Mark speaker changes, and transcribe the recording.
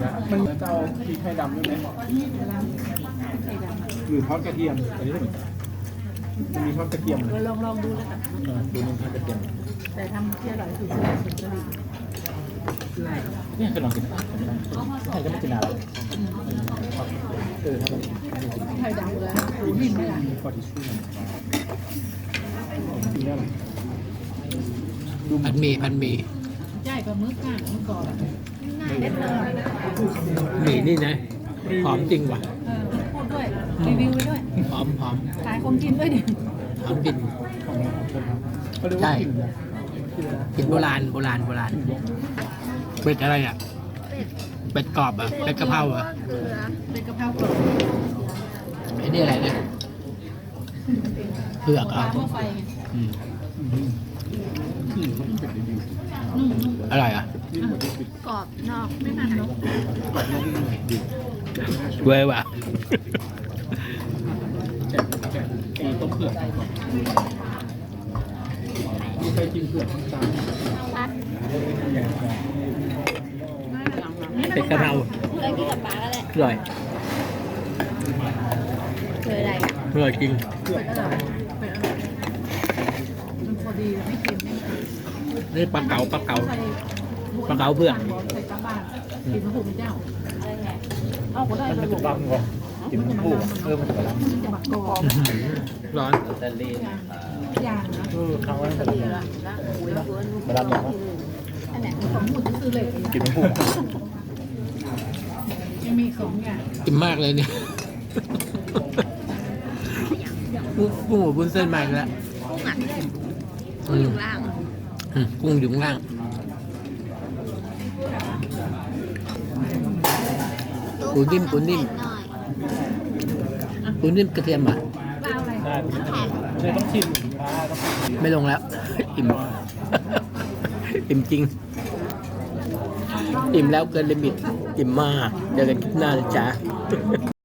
Speaker 1: มันจะเอาพริกไทยดำด้วยไหมหรือทอดกระเทียมอันนี้ก็เหมือนกันจะมีทอดกระเทียม
Speaker 2: ลองดูแล้วกัน
Speaker 1: ดูนึงทอดกระเทียม
Speaker 2: แต่ทำที่อร่อยคือสุดเลย
Speaker 1: เนี่ยเคยลองกินไหมใช่ก็ไม่กินอะไรถ้ามัน
Speaker 2: ไทยดำเลยหูนิ่มเลยอ่ะ
Speaker 1: มีพอทิชชู่กินได้ไหมดู
Speaker 3: พันหมี่
Speaker 2: ใช่ปลาหมึกก้างเมื่อก่อนเด็ดเลย
Speaker 3: หมี่นี่นะหอมจริงว่ะ
Speaker 2: พูดด้วยรีวิวไปด้วย
Speaker 3: หอม
Speaker 2: ขายคนกินด้วยดิ
Speaker 3: หอมกลิ่น
Speaker 1: เขาเรียกว่ากินนะ
Speaker 3: กลิ่นโบราณเป็ดอะไรอ่ะเป็ดกรอบอ่ะเป็ดกะเพราอ่ะ
Speaker 2: เป็นกะเพรากรอบ
Speaker 3: ไอ้นี่อะไรนะเผือก
Speaker 2: ปลา
Speaker 3: อ่ะ
Speaker 2: หม้อไฟไง
Speaker 3: อืม
Speaker 1: เป็ดดี
Speaker 3: อร่อยอ่ะ
Speaker 2: กรอบนอกไม่มันเนาะ
Speaker 3: เว้ยว่ะ
Speaker 1: แกะตีต้มเผือกมีใครกินเผือกบ้างจ้า
Speaker 3: เป็ดกะเพรา
Speaker 4: เคยกินกับปลาก็ได้
Speaker 3: อร่อย
Speaker 4: เคยอะไร
Speaker 3: อร่อยจริง
Speaker 2: เป็นอร่อยเป็นอร่อยมันพอดีไม่เค็มไม่เค็ม
Speaker 3: นี่ปลาเก๋า
Speaker 2: ใส่
Speaker 3: ปลาเก๋าเผือก
Speaker 2: ใส่กระบ้านกินมะพร้าวเจ้าเอาก็ได้
Speaker 1: มันจะบังก่อนกินมันพูมันจะบัง
Speaker 2: มันจะบักกรอบ
Speaker 3: ร้อน
Speaker 2: อย่างนะ
Speaker 1: เขาว่ามันจะมาดันอย่างว่า
Speaker 2: อันไหนของหมุดก็คือเหล็ก
Speaker 1: กินมันพู
Speaker 2: ยังมีสองอย่าง
Speaker 3: อิ่มมากเลยเนี่ยกุ้งหัวบุ้นเส้นมาอีกแล้ว
Speaker 4: กุ้งอ่ะกุ้งอยู่ล่าง
Speaker 3: กุ้งอยู่ข้างล่างปูนิ่ม
Speaker 4: หน่อย
Speaker 3: ปูนิ่มกระเทียมอ่ะ
Speaker 2: ปลาอะไร
Speaker 1: ได้เลยต้องชิมต้องชิม
Speaker 3: ไม่ลงแล้ว อิ่ม อิ่มจริง อิ่มแล้วเกินลิมิต อิ่มมากเจอกันคลิปหน้านะจ๊ะ